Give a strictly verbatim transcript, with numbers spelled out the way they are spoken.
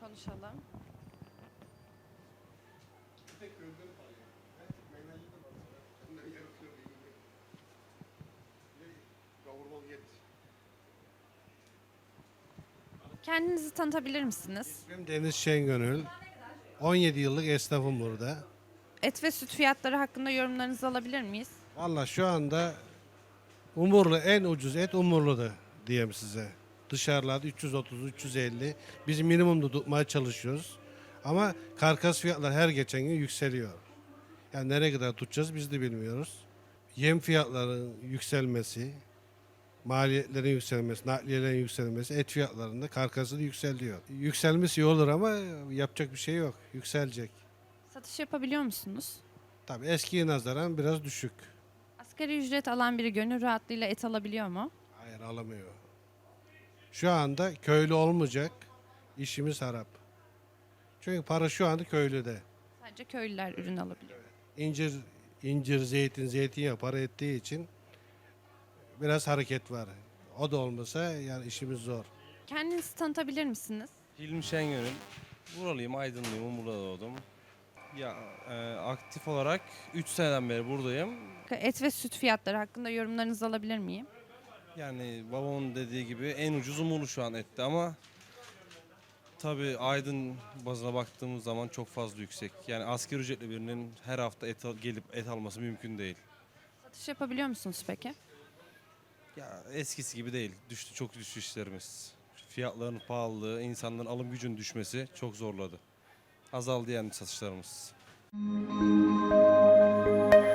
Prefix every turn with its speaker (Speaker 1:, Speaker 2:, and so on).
Speaker 1: Konuşalım. Kendinizi tanıtabilir misiniz?
Speaker 2: Ben Deniz Şengönül. on yedi yıllık esnafım burada.
Speaker 1: Et ve süt fiyatları hakkında yorumlarınızı alabilir miyiz?
Speaker 2: Valla şu anda Umurlu en ucuz et Umurlu'da diyeyim size. Dışarılarda üç yüz otuz üç yüz elli. Biz minimumda tutmaya çalışıyoruz. Ama karkas fiyatlar her geçen gün yükseliyor. Yani nereye kadar tutacağız biz de bilmiyoruz. Yem fiyatlarının yükselmesi, maliyetlerin yükselmesi, nakliyelerin yükselmesi, et fiyatlarında karkası da yükseliyor. Yükselmesi iyi olur ama yapacak bir şey yok. Yükselecek.
Speaker 1: Satış yapabiliyor musunuz?
Speaker 2: Tabii eskiye nazaran biraz düşük.
Speaker 1: Asgari ücret alan biri gönül rahatlığıyla et alabiliyor mu?
Speaker 2: Hayır alamıyor. Şu anda köylü olmayacak, işimiz harap. Çünkü para şu anda köylüde.
Speaker 1: Sadece köylüler ürün alabiliyor.
Speaker 2: İncir, incir, zeytin, zeytinyağı para ettiği için biraz hareket var. O da olmasa yani işimiz zor.
Speaker 1: Kendinizi tanıtabilir misiniz?
Speaker 3: Hilmi Şengönül. Buralıyım, Aydınlıyım, Umur'da doğdum. Ya e, aktif olarak üç seneden beri buradayım.
Speaker 1: Et ve süt fiyatları hakkında yorumlarınızı alabilir miyim?
Speaker 3: Yani babamın dediği gibi en ucuz Umur'u şu an etti ama tabii Aydın bazına baktığımız zaman çok fazla yüksek. Yani asgari ücretli birinin her hafta et al- gelip et alması mümkün değil.
Speaker 1: Satış yapabiliyor musunuz peki?
Speaker 3: Ya eskisi gibi değil. Düştü, çok düştü işlerimiz. Fiyatların pahalılığı, insanların alım gücünün düşmesi çok zorladı. Azaldı yani satışlarımız.